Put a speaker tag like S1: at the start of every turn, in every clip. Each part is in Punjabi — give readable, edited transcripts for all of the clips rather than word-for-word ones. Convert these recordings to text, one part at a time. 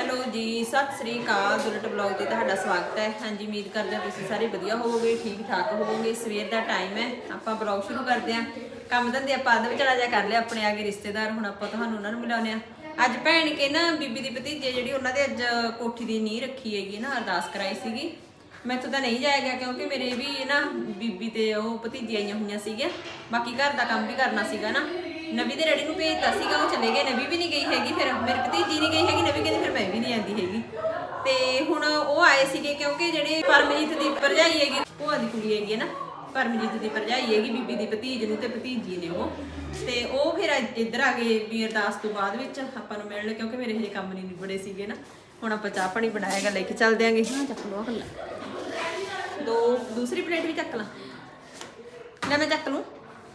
S1: हेलो जी सत श्री अकाल दुलट ब्लॉग ते तुहाडा स्वागत है। हाँ जी उम्मीद करते हैं तुसीं सारे वधिया होवोगे ठीक ठाक होवोगे। सवेर का टाइम है आपां ब्लॉग शुरू करते हैं। काम धंधे आपां अद्ध विचला जा कर लिया अपने आगे रिश्तेदार हुण आपां तुहानूं उन्हां नूं मिलाउने आ। अज भैन के ना बीबी दी भतीजे जिहड़ी उन्हां दे अज कोठी दी नींह रखी हैगी ना अरदास कराई सीगी। मैथों तां नहीं जाया गया क्योंकि मेरे भी ना बीबी ते ओह भतीजी आईयां होईयां सीगीआं। बाकी घर दा काम भी करना सीगा ना। नवी दे डैडी नूं भेजता सीगा वो चले गए। नवी भी नहीं गई हैगी फिर मेरी भतीजी नहीं गई हैगी। नवी कहती फिर मैं भी नहीं आती हैगी। ते हुण ओह आए सीगे क्योंकि जिहड़ी परमजीत दी भरजाई हैगी भूआ दी कुड़ी हैगी ना परमजीत दी भरजाई हैगी बीबी दी भतीज नूं ते भतीजी ने ओह फिर इधर आ गए भी अरदास तो बाद विच आपां नूं मिलण क्योंकि मेरे हजे काम नहीं निबड़े सीगे ना। हुण आपां चाह पानी बनाएगा लेके चल देंगे। हाँ चक लो दो दूसरी प्लेट भी चक ला ले मैं चक लूँ।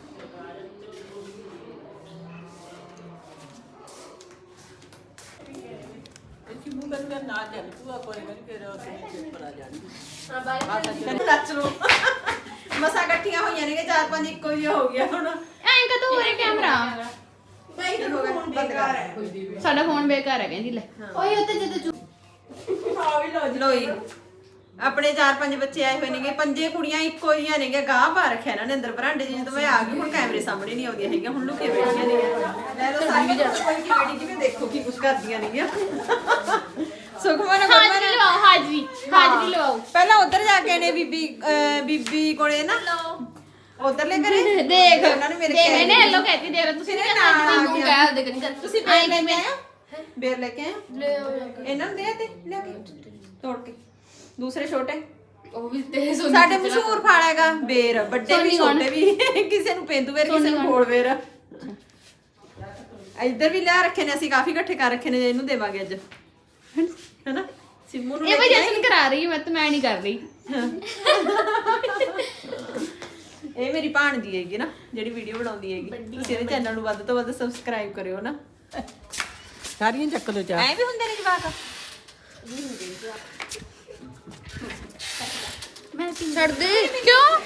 S1: मसा कट्ठियां होईयां ने 4-5 इक्को जिहा हो गया हुण
S2: ਐਂ ਕਦੋਂ ਹੋ ਰਿਹਾ ਕੈਮਰਾ ਸਾਡਾ ਫੋਨ ਬੇਕਾਰ ਹੈ ਕਹਿੰਦੀ ਲੈ ਓਏ ਉੱਤੇ ਜਦੋਂ
S1: ਲੋਈ ਆਪਣੇ 4-5 ਬੱਚੇ ਆਏ ਹੋਏ ਨੇਗੇ। 5 ਕੁੜੀਆਂ ਇੱਕੋ ਜਿਹੀਆਂ ਨੇਗੇ ਗਾਹ ਪਾ ਰੱਖਿਆ ਇਹਨਾਂ ਨੇ ਅੰਦਰ ਬਰਾਂਡੇ ਜਦੋਂ ਮੈਂ ਆ ਗਈ ਹੁਣ ਕੈਮਰੇ ਸਾਹਮਣੇ ਨਹੀਂ ਆਉਂਦੀਆਂ ਹੈਗੀਆਂ। ਹੁਣ ਲੁਕੇ ਬੈਠੀਆਂ ਨੇਗੀਆਂ। ਲੈ ਲੋ ਸਾਰੀ ਕੋਈ ਕੀ ਬੈਠੀ ਜਿਵੇਂ ਦੇਖੋ ਕੀ ਕੁਛ ਕਰਦੀਆਂ ਨੇਗੀਆਂ। ਸੁਖਮਨ
S2: ਹਾਜ਼ਰੀ ਲਵਾਓ ਹਾਜ਼ਰੀ ਲਵਾਓ।
S1: ਪਹਿਲਾਂ ਉਧਰ ਜਾ ਕੇ ਨੇ ਬੀਬੀ ਕੋਲੇ ਨਾ ਉਧਰਲੇ ਘਰੇ
S2: ਦੇਖ
S1: ਉਹਨਾਂ ਨੇ ਮੇਰੇ
S2: ਦੇਖ ਇਹਨੇ ਹੈਲੋ ਕਹਿਤੀ ਦੇਖ ਤੁਸੀਂ ਨੇ ਨਾਲ ਮੂੰਹ ਕਹਿ ਉਹਦੇ ਕਰੀ
S1: ਤੁਸੀਂ ਬੇਰ ਲੈ ਕੇ ਆਏ ਬੇਰ ਲੈ ਕੇ ਆਏ ਇਹਨਾਂ ਨੂੰ ਦੇ ਤੇ ਲਿਆ ਕੇ ਤੋੜ ਕੇ ਦੂਸਰੇ ਛੋਟੇ
S2: ਉਹ ਵੀ ਤੇ
S1: ਸਾਡੇ ਮਸ਼ਹੂਰ ਫਲ ਹੈਗਾ ਬੇਰ ਵੱਡੇ ਵੀ ਛੋਟੇ ਵੀ ਕਿਸੇ ਨੂੰ ਪੇਂਦੂ ਬੇਰ ਕਿਸੇ ਨੂੰ ਗੋਲ ਬੇਰ। ਇੱਧਰ ਵੀ ਲਿਆ ਰੱਖੇ ਨੇ ਅਸੀਂ ਕਾਫੀ ਇਕੱਠੇ ਕਰ ਰੱਖੇ ਨੇ ਇਹਨੂੰ ਦੇਵਾਂਗੇ ਅੱਜ ਹੈਨਾ ਸਿੰਮੂ ਨੂੰ
S2: ਇਹ ਮੈਂ ਜਸ਼ਨ ਕਰਾ ਰਹੀ ਮੈਂ ਤਾਂ ਮੈਂ ਨਹੀਂ ਕਰ ਰਹੀ।
S1: ਇਹ ਮੇਰੀ ਭਾਣਜੀ ਹੈਗੀ ਨਾ ਜਿਹੜੀ ਵੀਡੀਓ ਬਣਾਉਂਦੀ ਹੈਗੀ। ਤੁਸੀਂ ਇਹਦੇ ਚੈਨਲ ਨੂੰ ਵੱਧ ਤੋਂ ਵੱਧ ਸਬਸਕ੍ਰਾਈਬ ਕਰਿਓ ਨਾ।
S3: ਸਾਰੀਆਂ ਚੱਕ ਲੋ ਚਾਹ
S1: ਐ ਵੀ ਹੁੰਦੇ ਨੇ ਜਵਾਕ
S2: ਮੈਂ ਛੱਡ ਦੇ ਕਿਉਂ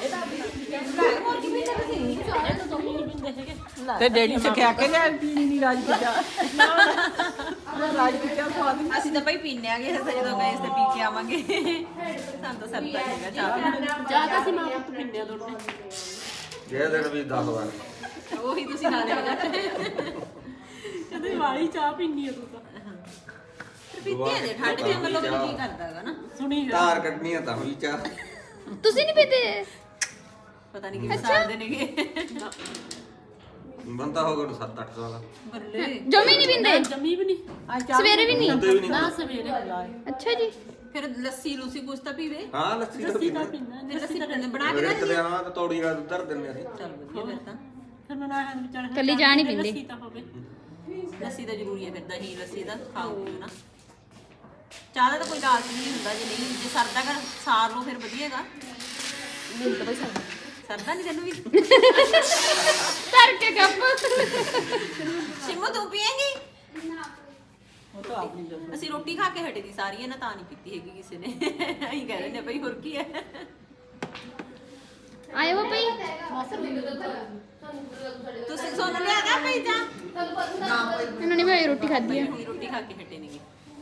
S3: ਤੇ ਡੈਡੀ ਸਿਖਿਆ ਕੇ ਲਿਆ ਪੀਣੀ ਨਹੀਂ ਰਾਜ ਦੀ ਚਾਹ ਰਾਜ ਦੀ ਚਾਹ ਸਵਾਦ
S1: ਅਸੀਂ ਤਾਂ ਭਾਈ ਪੀਣੇ ਆਗੇ ਅਸੀਂ ਜਦੋਂ ਗਏ ਤੇ ਪੀ ਕੇ ਆਵਾਂਗੇ। ਸਾਨੂੰ ਤਾਂ ਸਰਦਾ ਹੈਗਾ ਚਾਹ ਪੀਣਾ।
S2: ਚਾਹ ਤਾਂ ਸੀ ਮਾਂ ਪੁੱਤ ਪਿੰਡਿਆ ਦੋਨੇ
S4: ਜੇ ਦਿਨ ਵੀ 10 ਵਾਰ
S1: ਉਹੀ ਤੁਸੀਂ ਨਾਲੇ ਵਜਾ
S2: ਕਦੇ ਵਾਲੀ ਚਾਹ ਪੀਣੀ ਆ ਤੂੰ ਤਾਂ
S1: ਪੀਤੇ ਨੇ ਠੰਡ ਦੇ ਮਤਲਬ ਕੀ ਕਰਦਾਗਾ ਨਾ
S2: ਸੁਣੀ
S4: ਧਾਰ ਕੱਢਣੀਆਂ ਤਾਂ ਵੀ ਚਾਹ
S2: ਤੁਸੀਂ ਨਹੀਂ ਪੀਤੇ
S1: ਪਤਾ ਨਹੀਂ ਕਿਵੇਂ ਸਾਲਦੇ ਨੇਗੇ।
S4: ਬੰਦਾ ਹੋ ਗਿਆ 7-8 ਸਾਲ
S1: ਬੱਲੇ
S2: ਜਮੀ ਨਹੀਂ ਪੀਂਦੇ
S5: ਜਮੀ ਵੀ ਨਹੀਂ
S2: ਸਵੇਰੇ ਵੀ ਨਹੀਂ
S4: ਹੁੰਦੇ ਵੀ ਨਹੀਂ
S5: ਨਾ ਸਵੇਰੇ
S2: ਅੱਛਾ ਜੀ
S1: ਫਿਰ ਲੱਸੀ ਲੂਸੀ ਕੁਛ ਤਾਂ ਪੀਵੇ।
S4: ਹਾਂ ਲੱਸੀ ਤਾਂ
S5: ਲੱਸੀ
S4: ਪੀਂਦੇ
S5: ਤਾਂ ਪੀਂਦਾ
S1: ਫਿਰ ਲੱਸੀ ਤਾਂ ਬਣਾ ਕੇ
S4: ਰੇਤ ਦੇ ਆਣਾ ਤੇ ਤੌੜੀ ਰਾਤ ਧਰ ਦਿੰਦੇ ਅਸੀਂ।
S1: ਚੱਲ ਵਧੀਆ ਫਿਰ ਤਾਂ
S5: ਫਿਰ ਮੈਂ ਨਾ ਹਾਂ ਵਿਚਾਰ
S2: ਕੱਲੀ ਚਾਹ ਨਹੀਂ ਪੀਂਦੇ।
S5: ਲੱਸੀ ਤਾਂ ਹੋਵੇ
S1: ਲੱਸੀ ਤਾਂ ਜ਼ਰੂਰੀ ਹੈ ਫਿਰ ਦਹੀਂ ਲੱਸੀ ਦਾ ਖਾਓ ਨਾ। ਚਾਹ ਦਾ ਤਾਂ ਕੋਈ ਲਾਲਚ ਨਹੀਂ ਹੁੰਦਾ ਜੇ ਨਹੀਂ ਜੇ ਸਰਦਾ ਕਰ ਸਾਰ ਲੋ ਫਿਰ ਵਧੀਆਗਾ।
S2: ਮੈਨੂੰ ਤਾਂ ਬਈ
S1: ਸਰਦਾ ਨਹੀਂ ਤੈਨੂੰ ਵੀ
S2: ਧਰ ਕੇ ਗੱਪ
S1: ਸਿੰਮੂ ਤੂੰ ਪੀਏਂਗੀ?
S3: ਉਹ ਤਾਂ ਆਪਣੀ ਜੋ
S1: ਅਸੀਂ ਰੋਟੀ ਖਾ ਕੇ ਹਟੇ ਦੀ ਸਾਰੀਆਂ ਨਾ ਤਾਂ ਨਹੀਂ ਪੀਤੀ ਹੈਗੀ ਕਿਸੇ ਨੇ। ਅਸੀਂ ਕਹਿ ਦਿੰਦੇ ਬਈ ਹੋਰ ਕੀ ਹੈ।
S2: ਆਏ ਹੋ ਭਈ
S1: ਤੁਸੀਂ ਸੋਨ ਲਿਆ ਗਿਆ ਭਈ ਜਾ
S2: ਇਹਨਾਂ ਨੇ ਵੀ ਰੋਟੀ ਖਾਧੀ ਆ।
S1: ਹੁਣੀ ਰੋਟੀ ਖਾ ਕੇ ਹਟੇ ਨੇਗੇ।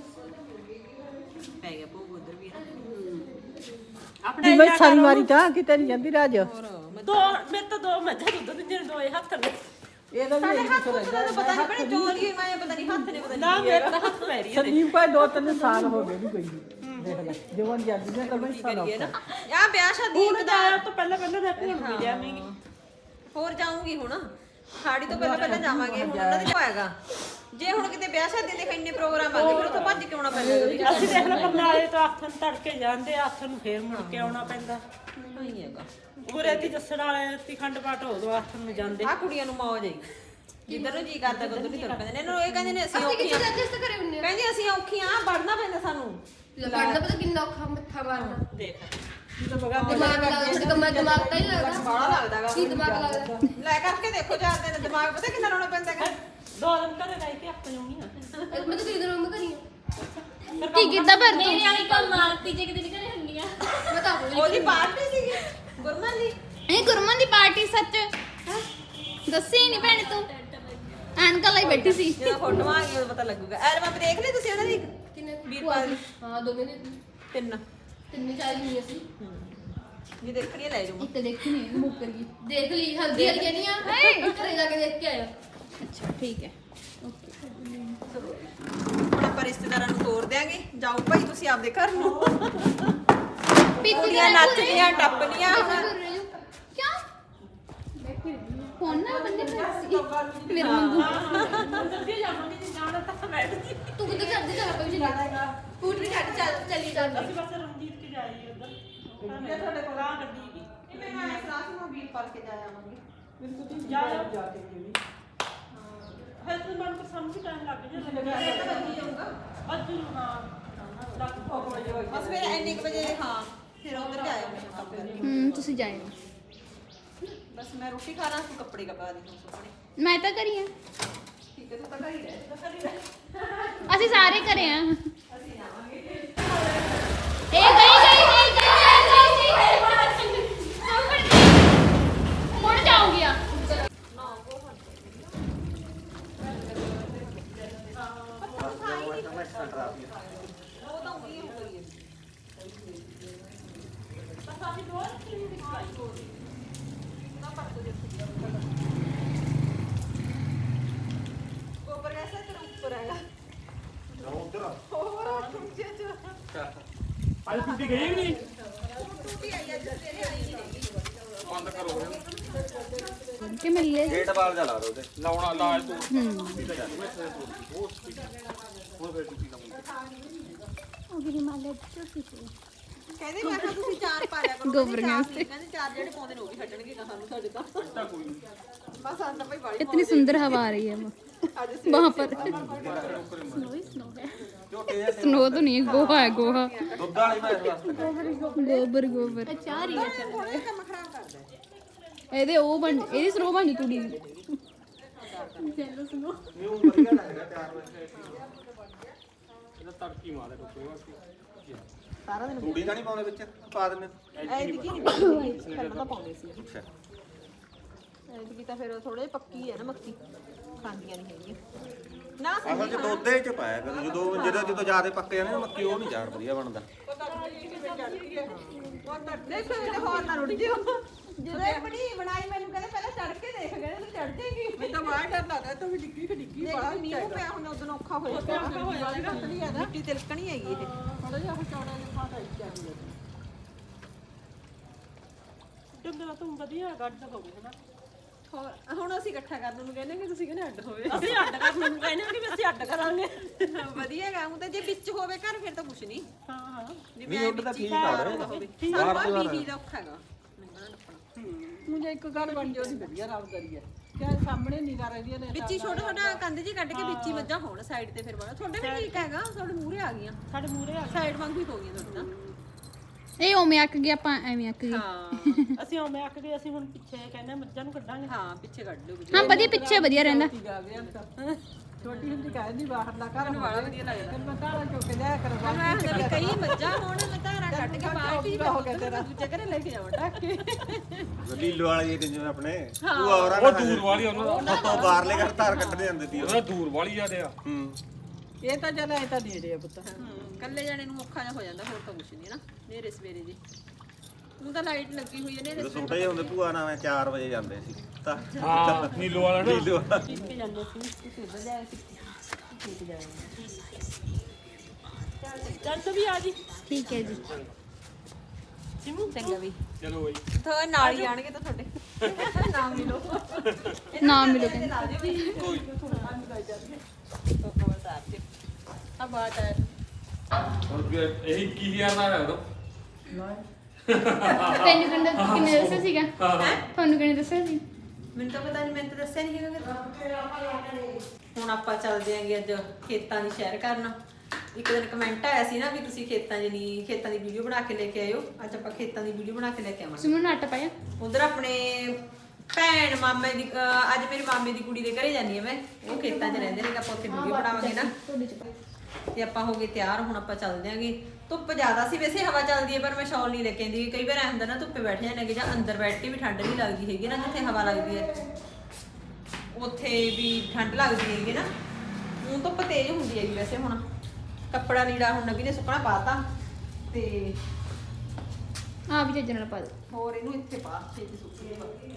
S1: ਪੈ ਗਿਆ ਭੋਗ ਉਧਰ ਵੀ
S3: ਦੀ ਮੈਂ ਸਾਰੀ ਵਾਰੀ ਚਾਹ ਕਿਤੇ ਨਹੀਂ ਜਾਂਦੀ ਰਾਜ
S5: ਦੋ ਮੈਂ ਤਾਂ ਦੋ ਮੱਝਾਂ ਦੁੱਧ ਦਿੰਦੇ ਨੇ ਦੋਏ ਹੱਥ ਨੇ
S3: ਇਹਦਾ ਵੀ
S1: ਸਾਡੇ
S3: ਇਹੀ
S1: ਹੱਥ
S3: ਕੁਛ
S1: ਤੋਂ ਤਾਂ ਪਤਾ ਨਹੀਂ ਬੜੇ ਚੋਰੀ ਮੈਂ ਪਤਾ ਨਹੀਂ ਹੱਥ ਨੇ ਪਤਾ
S5: ਨਾ
S1: ਨਹੀਂ
S5: ਮੇਰੇ ਤਾਂ ਹੱਥ ਪੈ ਰਹੀ ਹੈ
S3: ਸੰਦੀਪ ਭਾਈ 2-3 ਸਾਲ ਹੋ ਗਏ ਨਹੀਂ ਕੋਈ ਦੇਖ ਲੈ ਜਵਾਨ ਜਾਂਦੀ ਨੇ ਤਾਂ ਬਈ ਸਾਲ
S1: ਕਰੀਏ ਨਾ। ਆ ਵਿਆਹ ਸ਼ਾਦੀ
S5: ਹੁਣ ਤਾਂ ਤੋਂ ਪਹਿਲਾਂ ਮੈਂ ਭੁੱਲ ਵੀ ਜਾਵਾਂਗੀ
S1: ਹੋਰ ਜਾਊਂਗੀ ਹੁਣ ਖਾੜੀ ਤੋਂ ਪਹਿਲਾਂ ਜਾਵਾਂਗੇ। ਹੁਣ ਉਹਨਾਂ ਦੇ ਹੋਏਗਾ ਜੇ ਹੁਣ ਕਿਤੇ ਵਿਆਹ ਸ਼ਾਦੀ ਦੇ ਇੰਨੇ ਪ੍ਰੋਗਰਾਮ ਆ ਗਏ ਫਿਰ ਉੱਥੋਂ ਭੱਜ ਕੇ ਆਉਣਾ ਪੈਂਦਾ।
S5: ਅਸੀਂ ਦੇਖ ਲੈ ਪਰਨਾਲੇ ਤੋਂ ਹੱਥ ਨੂੰ ਤੜਕੇ ਜਾਂਦੇ ਹੱਥ ਨੂੰ ਫੇਰ ਮੁੜ ਕੇ ਆਉਣਾ ਪੈਂਦਾ।
S1: ਨਹੀਂ ਹੈਗਾ
S5: ਉਰੇ ਦੀ ਜੱਸੜ ਵਾਲੇ ਦੀ ਖੰਡ ਪਾਠ ਉਦੋਂ ਹੱਥ ਨੂੰ ਜਾਂਦੇ
S1: ਆ ਕੁੜੀਆਂ ਨੂੰ ਮੌਜ ਆਈ ਜਿੱਧਰ ਨੂੰ ਜੀ ਕਰਦਾ ਉਧਰ ਨਹੀਂ ਤੁਰ ਪੈਂਦੇ ਨੇ। ਇਹਨੂੰ ਇਹ ਕਹਿੰਦੇ ਨੇ ਅਸੀਂ ਔਖੀਆਂ ਕਹਿੰਦੇ ਅਸੀਂ ਔਖੀਆਂ ਵੜਨਾ ਪੈਂਦਾ ਸਾਨੂੰ।
S6: ਪੜਨਾ ਪਤਾ ਕਿੰਨਾ ਔਖਾ ਮੱਥਾ ਮਾਰਨਾ
S5: ਦੇਖ
S6: ਦਿਮਾਗ ਲੱਗਦਾ ਦਿਮਾਗ ਤਾਂ ਹੀ ਲੱਗਦਾ
S1: ਬਾਹਲਾ ਲੱਗਦਾਗਾ
S6: ਕੀ ਦਿਮਾਗ ਲੱਗਦਾ
S1: ਲੈ ਕਰਕੇ ਦੇਖੋ ਚਾਰ ਦਿਨ ਦਿਮਾਗ ਪਤਾ ਕਿੰਨਾ ਲਾਉਣਾ ਪੈਂਦਾ ਹੈਗਾ।
S5: 2 ਦਿਨ ਘਰੇ ਰਹਿ ਕੇ ਆਪ ਜਾਉਣੀ ਆ
S6: ਮੈਂ ਤਾਂ ਕਿਹਦੇ ਨਾਲ ਕਰੀ
S2: ਕੀ ਕੀਤਾ ਪਰ
S6: ਮੇਰੇ ਵਾਲੀ ਕੋਲ ਮਾਰਤੀ ਜੇ ਕਿਤੇ ਨਿਕਲੇ ਹੁੰਦੀਆਂ ਮੈਂ ਤਾਂ ਆਪਣੀ
S1: ਉਹਦੀ ਪਾਰਟੀ ਸੀਗੀ ਗੁਰਮਨ ਦੀ।
S2: ਇਹ ਗੁਰਮਨ ਦੀ ਪਾਰਟੀ ਸੱਚ ਦੱਸੀ ਨਹੀਂ ਭੈਣ ਤੂੰ ਐਨਕਾਂ ਲਈ ਬੈਠੀ ਸੀ
S1: ਜਦੋਂ ਫੋਟੋਆਂ ਆ ਗਈਆਂ ਉਦੋਂ ਪਤਾ ਲੱਗੂਗਾ। ਐਲਬਮ ਦੇਖ ਲਈ ਤੁਸੀਂ ਉਹਨਾਂ ਦੀ?
S6: ਕਿੰਨੇ
S1: ਵੀਰਪਾਲ ਦੀ
S6: ਹਾਂ ਦੋਵੇਂ ਦੇ
S1: 3
S6: ਤਿੰਨ ਚਾਰ ਨਹੀਂ ਅਸੀਂ
S1: ਜੀ ਦੇਖਣੀ ਹੈ, ਲੈ ਜਾਊਂਗਾ।
S2: ਇੱਕ ਦੇਖੀ ਨਹੀਂ ਮੁੱਕਰ ਗਈ।
S6: ਦੇਖ ਲਈ ਹਲਦੀ ਵਾਲੀ ਕਹਿੰਦੀ ਆ ਘਰੇ ਜਾ ਕੇ ਦੇਖ ਕੇ ਆਇਆ
S2: ਅੱਛਾ ਠੀਕ ਹੈ।
S1: ਹੁਣ ਆਪਾਂ ਰਿਸ਼ਤੇਦਾਰਾਂ ਨੂੰ ਤੋਰ ਦਿਆਂਗੇ। ਜਾਓ ਭਾਈ ਤੁਸੀਂ ਆਪਦੇ ਘਰ ਨੂੰ। ਕੁੜੀਆਂ ਨੱਚਦੀਆਂ ਟੱਪਦੀਆਂ ਹੁਣ।
S2: ਕਿਆ ਫੋਨ ਨਾ ਬੰਦੇ ਮੇਰੇ ਵਾਂਗੂ
S6: ਤੂੰ ਕਿੱਥੇ ਕਰਦੀ ਜਾ ਕੋਈ ਨਹੀਂ ਸਕੂਟਰੀ ਛੱਡ ਚੱਲੀ ਜਾਂਦਾ
S5: ਅਸੀਂ ਬਸ ਰਣਜੀਤ ਕੇ ਜਾਈਏ ਉਧਰ
S1: ਤੁਹਾਡੇ ਕੋਲ ਆ ਗੱਡੀ ਕੀ ਇਹ ਮੈਂ ਆਇਆ ਕਲਾਸ ਨੂੰ ਵੀਰਪਾਲ ਕੇ ਜਾ ਆਵਾਂਗੇ।
S5: ਜਾ ਕੇ ਜੀ ਹਾਂ ਤੂੰ ਮਨ ਕੋ ਸਮਝ ਟਾਈਮ ਲੱਗ ਜਾਊਗਾ ਅੱਜ ਨੂੰ ਹਾਂ ਲੱਗ ਪੋ
S1: ਬਸ ਫਿਰ ਇੰਨੇ ਕੁ ਵਜੇ ਹਾਂ ਫਿਰ ਉਧਰ ਤੇ ਆਇਆ ਮੈਂ ਕੰਮ ਕਰਕੇ।
S2: ਤੁਸੀਂ ਜਾਇਓ।
S1: ਬਸ ਮੈਂ ਰੋਟੀ ਖਾ ਲਾਂ, ਤੂੰ ਕੱਪੜੇ ਕਪਾ ਦੇ ਤੂੰ ਸੁਪਨੇ।
S2: ਮੈਂ ਤਾਂ ਕਰੀ ਆ।
S1: ਠੀਕ ਹੈ ਤੂੰ ਤਾਂ ਘਰ ਹੀ ਰਹਿ।
S2: ਅਸੀਂ ਸਾਰੇ ਕਰੇ ਆ।
S1: ਅਸੀਂ ਜਾਵਾਂਗੇ।
S2: ਇਹ ਗਈ ਹੁਣ ਜਾਊਂਗੀ ਆ।
S1: ਉਹ ਤਾਂ ਉਹੀ ਹੋ ਗਈ ਹੈ। ਗੋਬਰ ਵੈਸੇ ਤੇਰਾ ਉੱਪਰ ਹੈਗਾ। ਹੋਰ ਟੁੱਟੇ ਚ
S7: ਅੱਜ ਟੁੱਟੀ ਗਈ ਨਹੀਂ
S1: ਟੁੱਟੀ ਆਈ ਅੱਜ ਤੇਰੇ ਆਈ ਨਹੀਂ ਹੈਗੀ।
S4: ਬੰਦ ਕਰੋ
S2: ਕਿ ਮਿਲੇ
S4: ਗੇਟ ਵਾਲ ਜਾ ਲਾ ਦੋ ਉਹਦੇ
S7: ਲਾਉਣਾ ਲਾਜ ਤੂੰ
S4: ਹੁਣ ਫੇਰ ਟੁੱਟੀ ਨਾ
S1: ਕਹਿੰਦੇ ਮੈਂ ਕਿਹਾ ਤੁਸੀਂ ਚਾਰ ਪਾ ਲਿਆ ਕਰੋ।
S2: ਗੋਬਰੀਆਂ
S1: ਕਹਿੰਦੇ ਚਾਰ ਜਿਹੜੇ ਪਾਉਂਦੇ ਨੇ ਉਹ ਵੀ ਹਟਣਗੇ ਨਾ ਸਾਨੂੰ ਸਾਡੇ ਤਾਂ
S7: ਕੋਈ ਨਹੀਂ
S1: ਬਸ ਆਂਦਾ ਭਾਈ ਬਾੜੀ
S2: इतनी सुंदर हवा आ रही है
S1: ਅੱਜ
S2: वहाँ पर
S4: ਝੋਟੇ ਜਿਹੇ
S2: स्नो तो नहीं है गोहा है गोहा
S4: ਦੁੱਧ वाली ਮੈਂ ਇਸ ਵਾਸਤੇ
S2: गोबर गोबर
S6: ਚਾਹ ਰਹੀ ਹੈ ਚੱਲ
S1: ਥੋੜਾ ਕੰਮ ਖਰਾਬ ਕਰਦਾ ਹੈ।
S2: ਇਹਦੇ ਉਹ ਬਣ ਇਹਦੀ ਸਰੋ ਬਣ ਤੂੜੀ ਦੀ।
S4: ਨਿਊ ਵਧੀਆ ਲੱਗਦਾ 4 ਵਜੇ
S7: ਇਹਦਾ ਤੜਕੀ ਮਾਰੇ ਟੁੱਟੂਗਾ
S1: ਸਾਰਾ ਦਿਨ
S4: ਤੂੜੀ ਤਾਂ ਨਹੀਂ ਪਾਉਂਦੇ ਵਿੱਚ ਪਾ ਦਿੰਦੇ
S1: ਐਤਕੀ ਨਹੀਂ ਪਹਿਲਾਂ ਤਾਂ ਪਾਉਂਦੇ ਸੀ।
S4: ਅੱਛਾ
S1: ਐਤਕੀ ਤਾਂ ਫਿਰ ਥੋੜੇ ਪੱਕੀ ਹੈ ਨਾ ਮੱਕੀ ਖਾਂਦੀਆਂ ਨਹੀਂ ਹੈਗੀਆਂ ਨਾ
S4: ਅਸਲ ਚ ਦੁੱਧੇ ਚ ਪਾਇਆ ਕਰ ਜਦੋਂ ਜ਼ਿਆਦਾ ਪੱਕ ਜਾਂਦੇ ਨਾ ਮੱਕੀ ਉਹ ਨਹੀਂ ਜਾਣ ਵਧੀਆ ਬਣਦਾ।
S1: ਦੇਖੋ ਇਹਦੇ ਹੋਰ ਨਾ ਰੁੜ ਜਿਓ ਜਦੋਂ ਇਹ ਬਣਾਈ ਮੈਨੂੰ ਕਹਿੰਦੇ ਪਹਿਲਾਂ ਚੜ ਕੇ ਦੇਖ ਗਏ ਤੂੰ ਚੜ ਜਾਏਗੀ।
S3: ਮੈਂ ਤਾਂ ਬਾਹਰ ਡਰ ਲੱਗਦਾ ਤੂੰ ਵੀ ਡਿੱਗੀ
S1: ਦੇਖ ਮੀਂਹ ਪਿਆ ਹੁਣ ਉਦੋਂ ਔਖਾ ਹੋ ਜਾਂਦਾ। ਮਿੱਟੀ ਤਿਲਕਣੀ ਹੈਗੀ ਇਹ।
S3: ਥੋੜਾ ਜਿਹਾ ਚੌੜਾ ਜਿਹਾ ਫਾਟਾ ਚਾਹੀਦਾ
S5: ਡੰਗਰਾ ਤੂੰ ਵਧੀਆ ਗੱਡ ਹੋ ਗਏ ਨਾ
S1: ਹੁਣ ਅਸੀਂ ਇਕੱਠਾ ਕਰਨ ਨੂੰ ਕਹਿੰਦੇ ਕਿ ਤੁਸੀਂ ਕਹਿੰਦੇ ਅੱਡ ਹੋਵੇ।
S5: ਅਸੀਂ ਅੱਡ ਕਰਨ ਨੂੰ ਕਹਿੰਦੇ ਕਿ ਅਸੀਂ ਅੱਡ ਕਰਾਂਗੇ
S1: ਵਧੀਆ ਗਾ ਉਹ ਤਾਂ ਜੇ ਵਿੱਚ ਹੋਵੇ ਘਰ ਫਿਰ ਤਾਂ ਕੁਛ ਨਹੀਂ।
S5: ਹਾਂ ਹਾਂ
S1: ਜਿਵੇਂ
S4: ਨਹੀਂ ਉੱਡ ਤਾਂ ਠੀਕ ਆ
S1: ਹੋਵੇ
S4: ਬਾਹਰ
S1: ਸਾਨੂੰ ਮੀਂਹ ਦਾ ਔਖਾ ਹੈਗਾ ਲੰਘਣਾ ਟੱਪਣਾ।
S3: ਮੁੰਡੇ ਇੱਕ ਘਰ ਬਣ ਜਾਓ ਦੀ ਵਧੀਆ ਰਾਮ ਕਰੀਏ ਕਿਆ ਸਾਹਮਣੇ ਨਿਗਾਹ ਰਹਿੰਦੀਆਂ ਨੇ
S1: ਵਿੱਚ ਹੀ ਛੋਟਾ ਛੋਟਾ ਕੰਧ ਜੀ ਕੱਢ ਕੇ ਵਿੱਚ ਹੀ ਮੱਝਾਂ ਹੋਣ ਸਾਈਡ ਤੇ ਫਿਰ ਬਣਾ ਤੁਹਾਡੇ ਵੀ ਠੀਕ ਹੈਗਾ ਤੁਹਾਡੇ ਮੂਹਰੇ ਆ ਗਈਆਂ
S5: ਸਾਡੇ ਮੂਰੇ ਆ
S1: ਸਾਈਡ ਵਾਂਗੂ ਹੀ ਹੋ ਗਈਆਂ ਤੁਹਾਡੇ ਤਾਂ
S2: ਇਹ ਉਵੇਂ ਅੱਕ ਗਿਆ ਆਪਾਂ ਐਵੇਂ ਅੱਕ ਗਏ।
S1: ਹਾਂ
S5: ਅਸੀਂ ਆਉਂ ਅੱਕ ਗਏ ਅਸੀਂ ਹੁਣ ਪਿੱਛੇ ਕਹਿੰਦੇ ਮੱਝਾਂ ਨੂੰ ਕੱਢਾਂਗੇ
S1: ਹਾਂ ਪਿੱਛੇ ਕੱਢ ਲਓ
S2: ਹਾਂ ਵਧੀਆ ਪਿੱਛੇ ਵਧੀਆ ਰਹਿੰਦਾ।
S3: ਆ ਗਿਆ ਤਾਂ ਛੋਟੀ ਹੁੰਦੀ ਕਹਿੰਦੀ ਬਾਹਰ ਦਾ ਘਰ
S1: ਵਾਲਾ ਵਧੀਆ ਲੱਗਦਾ।
S3: ਫਿਰ ਮੈਂ ਘਰ ਚੁੱਕ ਕੇ ਲਿਆ ਕਰ
S1: ਮੈਂ ਹੁੰਦਾ ਵੀ ਕਈ ਮੱਝਾਂ ਹੋਣ ਲਤਾਰਾ ਕੱਢ ਕੇ ਬਾਲਟੀ
S3: ਹੋ ਗਿਆ ਤੇਰਾ
S1: ਦੂਜੇ ਘਰੇ ਲੈ ਕੇ ਜਾਵਾਂ ਢੱਕ ਕੇ
S4: ਲੀਲੋ ਵਾਲੀ ਜਿਵੇਂ ਆਪਣੇ ਉਹ ਔਰਾਂ
S7: ਉਹ ਦੂਰ ਵਾਲੀ ਉਹਨਾਂ ਦਾ
S4: ਤੋਂ ਬਾਹਰਲੇ ਘਰ ਧਾਰ ਕੱਢਦੇ ਜਾਂਦੇ ਸੀ
S7: ਉਹਦਾ ਦੂਰ ਵਾਲੀ ਆ ਆ
S4: ਹੂੰ
S3: ਇਹ ਤਾਂ ਚੱਲ ਐ ਤਾਂ ਨੇੜੇ ਆ ਪੁੱਤ
S1: ਕੱਲੇ ਜਾਣੇ ਨੂੰ ਔਖਾ ਜਿਹਾ ਹੋ ਜਾਂਦਾ ਹੋਰ ਤਾਂ ਕੁਛ ਨਹੀਂ ਨਾ ਨੇਰੇ ਸਵੇਰੇ ਜੀ ਨੂੰ ਤਾਂ ਲਾਈਟ ਲੱਗੀ ਹੋਈ ਹੈ ਨੇਰੇ
S4: ਜਦੋਂ ਛੋਟੇ ਜਿਹੇ ਹੁੰਦੇ ਭੂਆ ਨਾਲ ਮੈਂ 4 ਵਜੇ ਜਾਂਦੇ ਸੀ ਤਾਂ
S7: ਹਾਂ ਨੀਲੋ ਵਾਲਾ ਨਾ
S4: ਲੀਲੋ ਵਾਲਾ
S5: ਕੇ ਜਾਂਦੇ ਸੀ ਚੱਲ ਤੂੰ ਵੀ ਆ ਜੀ
S2: ਠੀਕ ਹੈ ਜੀ
S5: ਸਿਮੂ
S1: ਚੰਗਾ ਵੀ
S7: ਚਲੋ ਬਈ
S1: ਤਾਂ ਨਾਲ ਹੀ ਆਣਗੇ ਤਾਂ ਤੁਹਾਡੇ ਨਾਮ ਮਿਲੋ
S2: ਨਾਮ ਮਿਲੋ ਕਹਿੰਦੇ।
S1: ਆ ਬਾਤ ਹੈ
S7: ਹੁਣ ਵੀ ਇਹੀ 21000 ਦਾ ਹੈ ਉਦੋਂ
S2: ਤੈਨੂੰ ਕਿੰਨੇ ਦੱਸਿਆ ਸੀਗਾ? ਤੁਹਾਨੂੰ ਕਿੰਨੇ ਦੱਸਿਆ ਸੀ?
S1: ਮੈਨੂੰ ਤਾਂ ਪਤਾ ਨਹੀਂ ਮੈਨੂੰ ਤਾਂ ਦੱਸਿਆ ਨਹੀਂ ਹੈਗਾ। ਹੁਣ ਆਪਾਂ ਚੱਲਦੇ ਆਂਗੇ ਅੱਜ ਖੇਤਾਂ ਦੀ ਸੈਰ ਕਰਨ। ਇੱਕ ਦਿਨ ਕਮੈਂਟ ਆਇਆ ਸੀ ਨਾ ਵੀ ਤੁਸੀਂ ਖੇਤਾਂ ਦੀ ਵੀਡੀਓ ਬਣਾ ਕੇ ਲੈ ਕੇ ਆਇਓ। ਅੱਜ ਆਪਾਂ ਖੇਤਾਂ ਦੀ ਵੀਡੀਓ ਬਣਾ ਕੇ ਲੈ ਕੇ ਆਵਾਂਗੇ।
S2: ਸਿਮੂ ਨੱਟ ਪਾਇਆ
S1: ਉਧਰ ਆਪਣੇ ਭੈਣ ਮਾਮੇ ਦੀ ਅੱਜ ਮੇਰੇ ਮਾਮੇ ਦੀ ਕੁੜੀ ਦੇ ਘਰੇ ਜਾਨੀ ਆ ਮੈਂ। ਉਹ ਖੇਤਾਂ 'ਚ ਰਹਿੰਦੇ ਨੇ ਤਾਂ ਆਪਾਂ ਉੱਥੇ ਵੀਡੀਓ ਬਣਾਵਾਂਗੇ ਨਾ। ਤੇ ਆਪਾਂ ਹੋ ਗਏ ਤਿਆਰ ਹੁਣ ਆਪਾਂ ਚੱਲਦੇ ਆਂਗੇ। ਧੁੱਪ ਜ਼ਿਆਦਾ ਸੀ ਵੈਸੇ ਹਵਾ ਚੱਲਦੀ ਹੈ ਪਰ ਮੈਂ ਸ਼ਾਲ ਨਹੀਂ ਲੈ ਕੇ ਆਂਦੀ। ਕਈ ਵਾਰ ਐ ਹੁੰਦਾ ਨਾ ਧੁੱਪੇ ਬੈਠ ਜਾਂਦੇ ਨੇ ਜਾਂ ਅੰਦਰ ਬੈਠ ਕੇ ਵੀ ਠੰਡ ਨਹੀਂ ਲੱਗਦੀ ਹੈਗੀ ਨਾ ਜਿੱਥੇ ਹਵਾ ਲੱਗਦੀ ਹੈ ਉੱਥੇ ਵੀ ਠੰਡ ਲੱਗਦੀ ਹੈਗੀ ਨਾ। ਹੁਣ ਧੁੱਪ ਤੇਜ਼ ਹੁੰਦੀ ਹੈਗੀ ਵੈਸੇ ਹੁਣ ਕੱਪੜਾ ਲੀੜਾ ਹੁਣ ਨਵੀ ਨੇ ਸੁੱਕਣਾ ਪਾਤਾ ਤੇ
S2: ਆ ਵੀ ਚੱਜ ਨਾਲ ਪਾ ਦੇ
S1: ਹੋਰ ਇਹਨੂੰ ਇੱਥੇ ਪਾ ਛੇਤੀ ਸੁੱਕੀ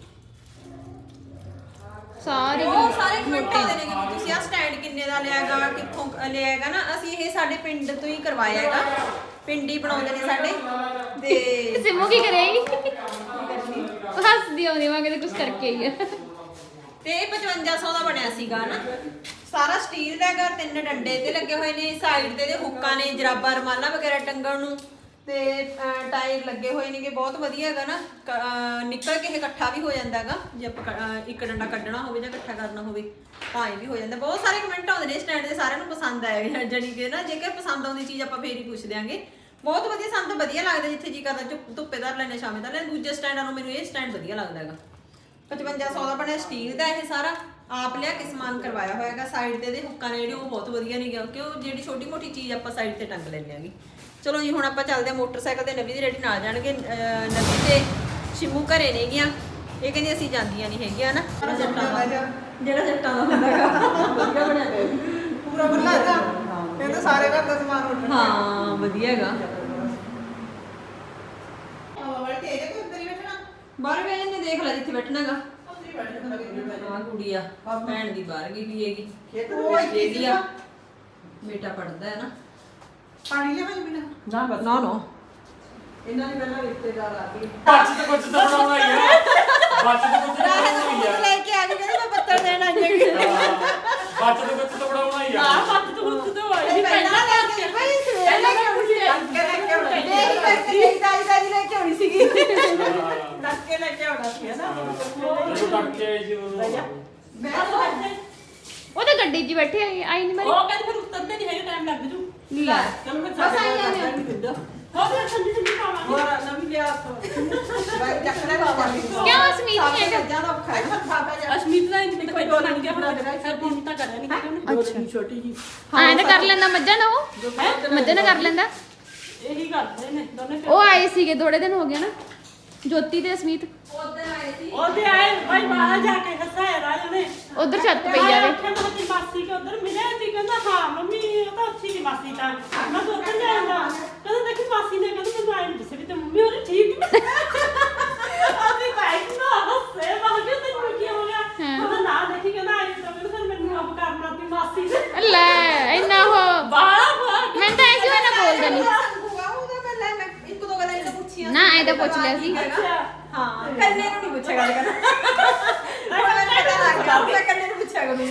S2: ਸਾਰੇ
S1: ਉਹ ਸਾਰੇ ਕਮੈਂਟ ਆਉਂਦੇ ਨੇ ਕਿ ਤੁਸੀਂ ਆ ਸਟੈਂਡ ਕਿੰਨੇ ਦਾ ਲਿਆਗਾ ਕਿੱਥੋਂ ਲਿਆਗਾ ਨਾ ਅਸੀਂ ਇਹ ਸਾਡੇ ਪਿੰਡ ਤੋਂ ਹੀ ਕਰਵਾਇਆ ਹੈਗਾ ਪਿੰਡ ਹੀ ਬਣਾਉਂਦੇ ਨੇ ਸਾਡੇ ਤੇ
S2: ਸਿਮੂ ਕੀ ਕਰੇਗੀ ਉਹ ਹੱਸਦੀ ਆਉਂਦੀ ਮੈਂ ਕਿਤੇ ਕੁਝ ਕਰਕੇ ਹੀ ਆ
S1: ਤੇ ਇਹ 5500 ਦਾ ਬਣਿਆ ਸੀਗਾ ਨਾ ਸਾਰਾ ਸਟੀਲ ਦਾ ਹੈਗਾ 3 ਡੰਡੇ ਤੇ ਲੱਗੇ ਹੋਏ ਨੇ ਸਾਈਡ ਤੇ ਦੇ ਹੁੱਕਾਂ ਨੇ ਜਰਾਬਾਂ ਰਮਾਲਾਂ ਵਗੈਰਾ ਟੰਗਣ ਨੂੰ ਤੇ ਟਾਇਰ ਲੱਗੇ ਹੋਏ ਨੇਗੇ ਬਹੁਤ ਵਧੀਆ ਹੈਗਾ ਨਾ ਨਿਕਲ ਕੇ ਇਹ ਇਕੱਠਾ ਵੀ ਹੋ ਜਾਂਦਾ ਹੈਗਾ ਜੇ ਆਪਾਂ ਇੱਕ ਡੰਡਾ ਕੱਢਣਾ ਹੋਵੇ ਜਾਂ ਇਕੱਠਾ ਕਰਨਾ ਹੋਵੇ ਤਾਂ ਇਹ ਵੀ ਹੋ ਜਾਂਦਾ ਬਹੁਤ ਸਾਰੇ ਕਮੈਂਟ ਆਉਂਦੇ ਨੇ ਸਟੈਂਡ ਦੇ ਸਾਰਿਆਂ ਨੂੰ ਪਸੰਦ ਆਇਆ ਜਾਨੀ ਕਿ ਨਾ ਜੇਕਰ ਪਸੰਦ ਆਉਂਦੀ ਚੀਜ਼ ਆਪਾਂ ਫੇਰ ਹੀ ਪੁੱਛ ਦਿਆਂਗੇ ਬਹੁਤ ਵਧੀਆ ਸਾਨੂੰ ਤਾਂ ਵਧੀਆ ਲੱਗਦਾ ਜਿੱਥੇ ਜੀ ਕਰਦਾ ਧੁੱਪੇ ਧਰ ਲੈਣੇ ਸ਼ਾਮੇ ਧਰ ਲੈਣੇ ਦੂਜੇ ਸਟੈਂਡਾਂ ਨੂੰ ਮੈਨੂੰ ਇਹ ਸਟੈਂਡ ਵਧੀਆ ਲੱਗਦਾ ਹੈਗਾ 5500 ਦਾ ਬਣਿਆ ਸਟੀਲ ਦਾ ਇਹ ਸਾਰਾ ਆਪ ਲਿਆ ਕੇ ਸਮਾਨ ਕਰਵਾਇਆ ਹੋਇਆ ਹੈਗਾ ਸਾਈਡ ਤੇ ਦੇ ਹੁੱਕਾਂ ਨੇ ਜਿਹੜੇ ਉਹ ਬਹੁਤ ਵਧੀਆ ਨਹੀਂ ਗਿਆ ਕਿਉਂ ਜਿਹੜੀ ਛੋਟੀ ਮੋਟੀ ਚੀਜ਼ ਆਪਾਂ ਸਾਈਡ ਤੇ ਟੰਗ ਲੈਂਦੇ ਆਂਗੇ ਚਲੋ ਜੀ ਹੁਣ ਆਪਾਂ ਚੱਲਦੇ ਆ ਮੋਟਰਸਾਈਕਲ ਤੇ ਨਵੀ ਦੀ ਰੈਡੀ ਨਾਲ ਜਾਣਗੇ ਨਵੀ ਤੇ ਸ਼ਿਮੂ ਘਰੇ ਨੇ ਗੀਆਂ ਇਹ ਕਹਿੰਦੀ ਅਸੀਂ ਜਾਂਦੀਆਂ ਨਹੀਂ ਹੈਗੀਆਂ ਨਾ ਜਿਹੜਾ ਜੱਟਾਂ ਦਾ ਹੁੰਦਾ ਹੈਗਾ ਵਧੀਆ ਬਣਿਆ
S3: ਪੂਰਾ ਬੰਦਾ ਹੈਗਾ ਕਹਿੰਦੇ ਸਾਰੇ ਘਰ ਦਾ ਸਮਾਨ ਉੱਠਣਾ
S1: ਹਾਂ ਵਧੀਆ ਹੈਗਾ
S3: ਵਾਲੇ ਤੇ ਇਹਦੇ ਕੋਲ ਅੰਦਰ ਹੀ ਬੈਠਣਾ
S1: ਬਾਹਰ ਬਹਿ ਜਾਂਦੇ ਦੇਖ ਲੈ ਜਿੱਥੇ ਬੈਠਣਾਗਾ
S3: ਅੰਦਰ ਹੀ ਬੈਠਣਾ
S1: ਆ ਕੁੜੀ ਆ ਭੈਣ ਦੀ ਬਾਹਰ ਗਈ ਵੀ ਹੈਗੀ
S3: ਉਹ
S1: ਇਹਦੀ ਆ ਬੇਟਾ ਪੜਦਾ ਹੈ ਨਾ
S3: ਪਾਣੀ ਲਿਆਵਾਂ ਬਿਨਾ
S5: ਨਾ ਬਸ
S1: ਨਾ ਨਾ
S3: ਇਹਨਾਂ ਨੇ ਪਹਿਲਾਂ ਰਿਸ਼ਤੇਦਾਰ ਆ ਗਏ
S7: ਬੱਚ ਤੇ ਕੁਝ ਤਾਂ ਬਣਾਉਣਾ ਹੀ ਆ ਬੱਚ ਤੇ ਕੁਝ ਤਾਂ ਬਣਾਉਣਾ ਹੀ ਆ
S1: ਲੈ ਕੇ ਆ ਗਈ ਕਹਿੰਦੀ ਮੈਂ ਪੱਤਰ ਦੇਣ ਆਈ ਹੈਗੀ
S7: ਬੱਚ ਤੇ ਕੁਝ ਤਾਂ ਬਣਾਉਣਾ ਹੀ ਆ
S5: ਹੱਥ ਤੋਂ ਉੱਤ ਤੋਂ ਆਈ
S1: ਪਹਿਲਾਂ ਲੈ ਕੇ ਭਾਈ ਸਵੇਰ ਲੈ ਕੇ ਆਉਣੀ ਸੀ
S3: ਅੱਗੇ ਲੈ ਕੇ ਆਉਣਾ
S1: ਦੇਖ ਕਰਕੇ ਤਾਜੀ ਲੈ ਕੇ ਆਉਣੀ ਸੀਗੀ
S3: ਨੱਕੇ ਲੈ ਕੇ ਆਉਣਾ ਸੀ ਨਾ
S7: ਜਦੋਂ ਤੱਕ ਕੇ ਆਈ ਸੀ ਉਦੋਂ
S2: ਉਹ ਤਾਂ ਗੱਡੀ 'ਚ ਬੈਠੇ ਆਈ ਨਹੀਂ ਮਾਰੀ
S5: ਉਹ ਕਹਿੰਦੇ ਫਿਰ ਉੱਤਰਦੇ ਨਹੀਂ ਹੈਗੇ ਟਾਈਮ ਲੱਗ ਜੂ
S2: ਲੈ
S3: ਚਲੋ ਮੈਂ
S1: ਬਸ ਆਈ ਜਾਂਦੇ ਆ।
S5: ਹੋ ਗਿਆ ਠੰਡੀ ਠੰਡੀ ਪਾਵਾਂਗੇ
S3: ਹੋਰ ਨਵੀਂ ਲਿਆ ਬਾਈ ਚੱਕਣਾ ਪਾਵਾਂਗੇ
S2: ਕਿਉਂ ਸਮੀਤ ਨਹੀਂ ਹੈਗਾ
S1: ਜਿਆਦਾ ਔਖਾ ਹੈ
S3: ਖਾਤਾ ਜਾ
S5: ਅਸ਼ਮੀਤ ਦਾ ਇੰਜ ਕੋਈ ਦੋ ਲੰਗੇ ਹੁਣ ਫਿਰ ਫੋਨ ਤਾਂ ਕਰਿਆ ਨਹੀਂ ਹੈਗਾ
S3: ਅੱਛਾ ਛੋਟੀ ਜੀ
S2: ਐਂ ਤਾਂ ਕਰ ਲੈਂਦਾ ਮੱਝਾਂ ਨਾ ਉਹ ਮੱਝਾਂ ਨਾ ਕਰ ਲੈਂਦਾ
S5: ਇਹੀ ਕਰਦੇ ਨੇ ਦੋਨੇ
S2: ਉਹ ਆਏ ਸੀਗੇ ਥੋੜੇ ਦਿਨ ਹੋ ਗਏ ਨਾ ਜੋਤੀ ਤੇ ਅਸਮੀਤ
S5: ਉਹਦੇ ਆਏ ਭਾਈ ਬਾਹਰ ਜਾ ਕੇ ਹੱਸਾਇਆ ਰਾਜ ਨੇ
S2: ਉਧਰ ਛੱਤ ਪਈ ਜਾਵੇ
S5: ਤੇ ਮਾਸੀ ਕੇ ਉਧਰ ਮਿਲਿਆ ਸੀ ਕਹਿੰਦਾ ਹਾਂ ਮੰਮੀ ਉਹ ਤਾਂ ਅੱਛੀ ਦੀ ਮਾਸੀ ਤਾਂ ਮੈਂ ਤਾਂ ਉੱਧਰ ਜਾਂਦਾ ਕਹਿੰਦਾ ਦੇਖੀ ਮਾਸੀ ਨੇ ਕਹਿੰਦਾ ਮੈਨੂੰ ਆਈ ਨਹੀਂ ਦੱਸਿਆ ਵੀ ਤੇ ਮੰਮੀ ਉਹਨੇ ਠੀਕ ਅਸੀਂ ਬਾਈਕ ਨਾ ਹੱਸੇ ਬਾਹਰ ਤੇ ਕੀ ਹੋ ਗਿਆ ਕਹਿੰਦਾ ਨਾ ਦੇਖੀ ਕਹਿੰਦਾ ਆਈ ਤਾਂ ਕਹਿੰਦਾ ਫਿਰ ਮੈਨੂੰ ਆਪ ਕਰਨਾ ਤੀ ਮਾਸੀ ਦੇ
S2: ਲੈ ਇੰਨਾ ਹੋ
S5: ਬਾਹਰ
S2: ਮੈਂ ਤਾਂ ਐਸੀ ਹੋਇਆ ਨਾ ਬੋਲਦਾ ਨਹੀਂ
S1: ਉਹਦਾ ਪਹਿਲਾਂ ਮੈਂ ਇੱਕ ਦੋ ਗੱਲਾਂ ਇਹਨੂੰ ਪੁੱਛੀਆਂ
S2: ਨਾ ਐ ਤਾਂ ਪੁੱਛ ਲਿਆ ਸੀ
S1: ਹਾਂ ਕੰਨੇ ਨੂੰ ਨਹੀਂ ਪੁੱਛਿਆ ਗੱਲ ਕਰਨਾ ਹੁਣ ਮੈਨੂੰ ਪਤਾ ਲੱਗ ਗਿਆ ਮੈਂ ਕੰਨੇ ਨੂੰ ਪੁੱਛਿਆ ਕਰੂੰਗੀ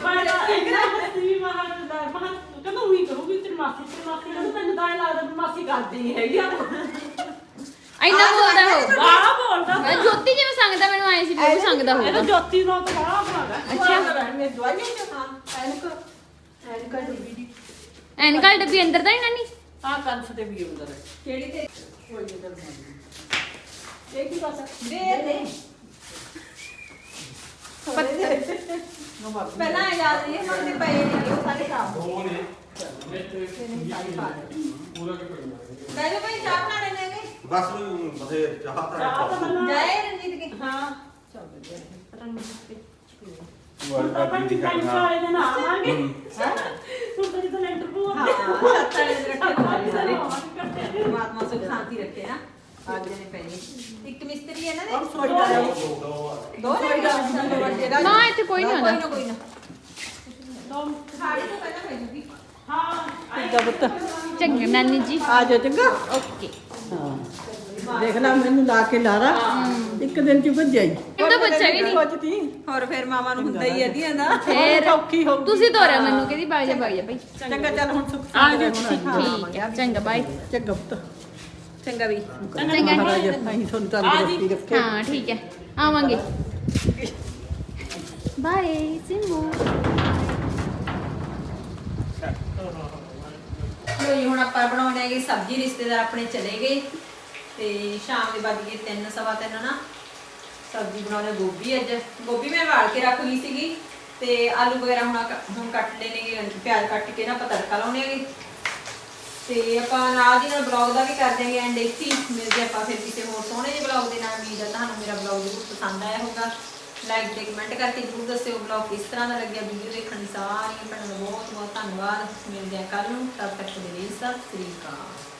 S5: ਕਹਿੰਦਾ ਉਹੀ ਕਰੂਗੀ ਤੇਰੀ ਮਾਸੀ ਕਹਿੰਦਾ ਮੈਨੂੰ ਤਾਂ ਇਹ ਲੱਗਦਾ ਵੀ ਮਾਸੀ ਕਰਦੀ ਨਹੀਂ ਹੈਗੀ
S2: ਇੰਨਾ ਬੋਲਦਾ ਹੋ
S5: ਬਾਹਰ ਬੋਲਦਾ
S2: ਮੈਂ ਜੋਤੀ ਜਿਵੇਂ ਸੰਗਦਾ ਮੈਨੂੰ ਆਏ ਸੀ ਵੀ ਉਹ ਸੰਗਦਾ
S5: ਇਹ ਤਾਂ
S2: ਹੋਊਗਾ
S5: ਜੋਤੀ ਦਾ ਤਾਂ ਬੜਾ ਬਣਾਗਾ
S3: ਅੱਛਾ ਮੈਂ ਦਵਾਈਆਂ ਚ ਹਾਂ ਐਨਕ ਡੱਬੀ ਦੀ
S2: ਐਨਕਲ ਡੱਬੀ ਅੰਦਰ ਤਾਂ ਹੀ ਨਾਨੀ
S3: ਆ ਕੰਸ ਤੇ ਵੀ ਅੰਦਰ ਹੈ
S1: ਕਿਹੜੀ ਤੇ
S3: ਕੋਈ ਇਧਰ ਨਹੀਂ ਇਹ ਕੀ ਪਾਸਾ
S1: ਦੇ ਦੇ ਪਹਿਲਾਂ ਯਾਦ ਨਹੀਂ ਮੰਗਦੇ ਪਏ ਨੇ ਉਹ ਸਾਰੇ ਖਰਾਬ ਹੋ
S7: ਦੋ ਨੇ
S1: ਗਏ
S7: ਪੂਰਾ ਕਿ ਪੜਨਾ
S1: ਲੈ ਜਾ ਭਾਈ ਚਾਹ ਬਣਾ ਲੈਣੇ ਨੇ
S4: ਬਸ ਨੂੰ ਬਥੇਰ ਚਾਹ
S5: ਚਾਹ
S4: ਤਾਂ
S5: ਤਾਂ ਮੈਨੂੰ
S1: ਜਾਏ ਰਣਜੀਤ ਕੇ
S5: ਹਾਂ
S1: ਚੱਲ ਵਧੀਆ ਰਣਜੀਤ
S5: ਹੁਣ ਤਾਂ ਆਪਾਂ ਟਾਈਮ ਵਾਲੇ ਦੇ ਨਾਲ ਆਵਾਂਗੇ ਹੁਣ ਤਾਂ ਜਦੋਂ ਇੰਟਰਵਿਊ
S1: ਹਾਂ ਸੱਤ ਵਾਲੇ ਦੇ ਰੱਖੇ ਹੋਏ ਸਾਰੇ ਪਰਮਾਤਮਾ ਸੁਖ ਸ਼ਾਂਤੀ ਰੱਖੇ ਨਾ ਅੱਜ ਨੇ ਪੈਣੀ ਇੱਕ ਮਿਸਤਰੀ ਹੈ ਨਾ
S3: ਔਰ ਸੋਈ ਦਾ
S1: ਦੋ ਨੇ
S2: ਨਾ ਇੱਥੇ ਕੋਈ ਨਹੀਂ ਆਉਂਦਾ
S1: ਕੋਈ ਨਾ ਸਾੜੀ ਤੋਂ ਪਹਿਲਾਂ ਪੈ ਜੂਗੀ
S5: ਹਾਂ
S3: ਦਬਤ
S2: ਚੰਗਾ ਨਾਨੀ ਜੀ
S3: ਆ ਜਾ ਚੰਗਾ
S2: ਓਕੇ
S3: ਹਾਂ ਦੇਖ ਲੈ ਮੈਨੂੰ ਲਾ ਕੇ ਲਾਰਾ ਇੱਕ ਦਿਨ ਚ ਭੱਜ ਜਾਈ
S2: ਤਾਂ ਪੁੱਛਿਆ ਵੀ ਨਹੀਂ
S3: ਸੋਚਦੀ
S1: ਹੋਰ ਫਿਰ ਮਾਮਾ ਨੂੰ ਹੁੰਦਾ ਹੀ ਹੈ ਦੀਆਂ ਦਾ
S2: ਫੇਰ
S3: ਔਖੀ ਹੋ
S2: ਤੁਸੀਂ ਤੋਰਿਆ ਮੈਨੂੰ ਕਹਿੰਦੀ ਬਾਗ ਜਾ ਭਾਈ
S3: ਚੰਗਾ ਚੱਲ ਹੁਣ ਸੁੱਖ
S5: ਆ ਜਾ
S2: ਠੀਕ ਹੈ ਚੰਗਾ ਬਾਈ
S3: ਚੰਗਾ ਪੁੱਤ
S1: ਚੰਗਾ ਵੀ
S2: ਚੰਗਾ
S3: ਮਹਾਰਾਜ ਅਸੀਂ ਤੁਹਾਨੂੰ ਤੰਦਰੁਸਤੀ ਰੱਖੇ
S2: ਹਾਂ ਠੀਕ ਹੈ ਆਵਾਂਗੇ ਬਾਏ ਸਿੰਬੂ
S1: ਲੋ ਜੀ ਹੁਣ ਆਪਾਂ ਬਣਾਉਣੇ ਹੈਗੇ ਸਬਜ਼ੀ ਰਿਸ਼ਤੇਦਾਰ ਆਪਣੇ ਚਲੇ ਗਏ ਤੇ ਸ਼ਾਮ ਦੇ ਵੱਜ ਗਏ 3 ਸਵਾ 3 ਨਾ ਸਬਜ਼ੀ ਬਣਾਉਣੇ ਗੋਭੀ ਅੱਜ ਗੋਭੀ ਮੈਂ ਵਾਲ ਕੇ ਰੱਖ ਲਈ ਸੀਗੀ ਤੇ ਆਲੂ ਵਗੈਰਾ ਹੁਣ ਕੱਟ ਲੈਣਗੇ ਪਿਆਜ਼ ਕੱਟ ਕੇ ਨਾ ਆਪਾਂ ਤੜਕਾ ਲਾਉਣੇ ਹੈਗੇ ਤੇ ਆਪਾਂ ਨਾਲ ਦੀ ਨਾਲ ਬਲੌਗ ਦਾ ਵੀ ਕਰ ਦਿਆਂਗੇ ਐਂਡ ਇੱਥੇ ਮਿਲਦੇ ਆਪਾਂ ਫਿਰ ਕਿਸੇ ਹੋਰ ਸੋਹਣੇ ਜਿਹੇ ਬਲੌਗ ਦੇ ਨਾਲ। ਉਮੀਦ ਹੈ ਤੁਹਾਨੂੰ ਮੇਰਾ ਬਲੌਗ ਜ਼ਰੂਰ ਪਸੰਦ ਆਇਆ ਹੋਊਗਾ। ਲਾਈਕ ਤੇ ਕਮੈਂਟ ਕਰਕੇ ਜ਼ਰੂਰ ਦੱਸਿਓ ਵਲੌਗ ਕਿਸ ਤਰ੍ਹਾਂ ਦਾ ਲੱਗਿਆ। ਵੀਡੀਓ ਦੇਖਣ ਲਈ ਸਾਰੀਆਂ ਭੈਣਾਂ ਦਾ ਬਹੁਤ ਬਹੁਤ ਧੰਨਵਾਦ। ਮਿਲਦੇ ਹਾਂ ਕੱਲ ਨੂੰ, ਤਦ ਤੱਕ ਦੇ ਲਈ ਸਤਿ ਸ੍ਰੀ ਅਕਾਲ।